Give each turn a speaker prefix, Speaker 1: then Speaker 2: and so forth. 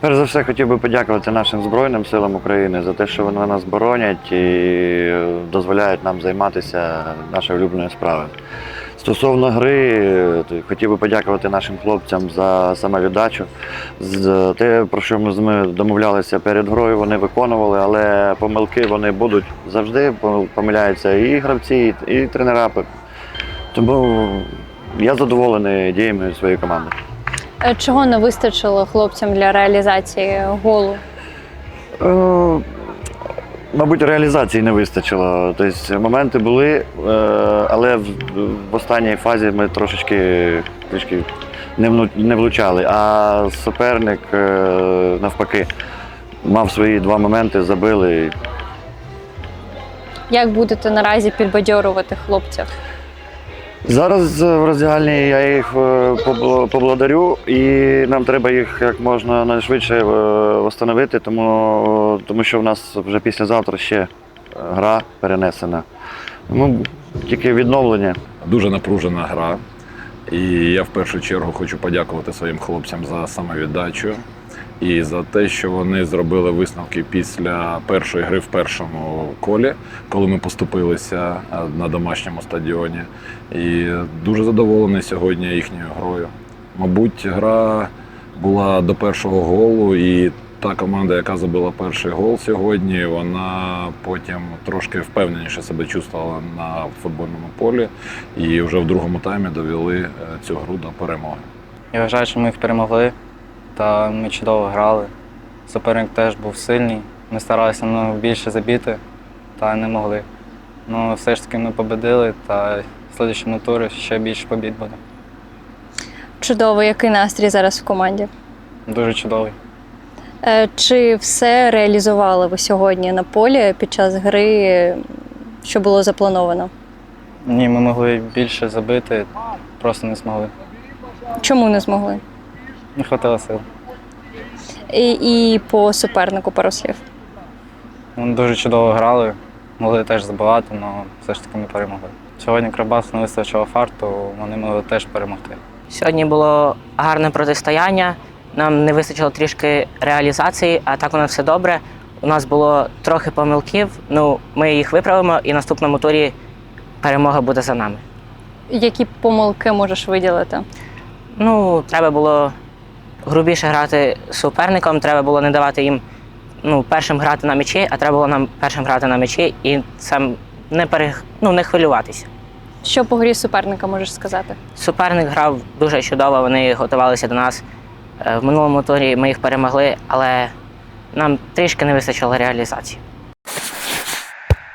Speaker 1: Перш за все, хотів би подякувати нашим Збройним силам України за те, що вони нас боронять і дозволяють нам займатися нашою улюбленою справою. Стосовно гри, хотів би подякувати нашим хлопцям за самовіддачу, за те, про що ми домовлялися перед грою, вони виконували, але помилки вони будуть завжди, помиляються і гравці, і тренера. Тому я задоволений діями своєї команди.
Speaker 2: Чого не вистачило хлопцям для реалізації голу?
Speaker 1: Мабуть, реалізації не вистачило. Тобто моменти були, але в останній фазі ми трішки не влучали. А суперник, навпаки, мав свої два моменти, забили.
Speaker 2: Як будете наразі підбадьорувати хлопців?
Speaker 1: Зараз в роздягальні я їх поблагодарю, і нам треба їх як можна швидше встановити, тому що в нас вже післязавтра ще гра перенесена. Тому тільки відновлення.
Speaker 3: Дуже напружена гра. І я в першу чергу хочу подякувати своїм хлопцям за самовіддачу і за те, що вони зробили висновки після першої гри в першому колі, коли ми поступилися на домашньому стадіоні. І дуже задоволений сьогодні їхньою грою. Мабуть, гра була до першого голу, і та команда, яка забила перший гол сьогодні, вона потім трошки впевненіше себе чувствувала на футбольному полі і вже в другому таймі довели цю гру до перемоги.
Speaker 4: Я вважаю, що ми їх перемогли, та ми чудово грали. Суперник теж був сильний, ми старалися більше забити, та не могли. Ну, все ж таки ми победили, та в наступному турі ще більше побід буде.
Speaker 2: Чудово, який настрій зараз в команді?
Speaker 4: Дуже чудовий.
Speaker 2: Чи все реалізували ви сьогодні на полі під час гри, що було заплановано?
Speaker 4: Ні, ми могли більше забити, просто не змогли.
Speaker 2: Чому не змогли?
Speaker 4: Не вистачило сил.
Speaker 2: І по супернику пару слів.
Speaker 4: Вони дуже чудово грали, могли теж забивати, але все ж таки ми перемогли. Сьогодні Кривбас не вистачило фарту, вони могли теж перемогти.
Speaker 5: Сьогодні було гарне протистояння, нам не вистачило трішки реалізації, а так у нас все добре. У нас було трохи помилків, ми їх виправимо і в наступному турі перемога буде за нами.
Speaker 2: Які помилки можеш виділити?
Speaker 5: Треба було грубіше грати з суперником, треба було не давати їм першим грати на м'ячі, а треба було нам першим грати на м'ячі і сам не хвилюватися.
Speaker 2: Що по грі суперника можеш сказати?
Speaker 5: Суперник грав дуже чудово, вони готувалися до нас. В минулому турі ми їх перемогли, але нам трішки не вистачило реалізації.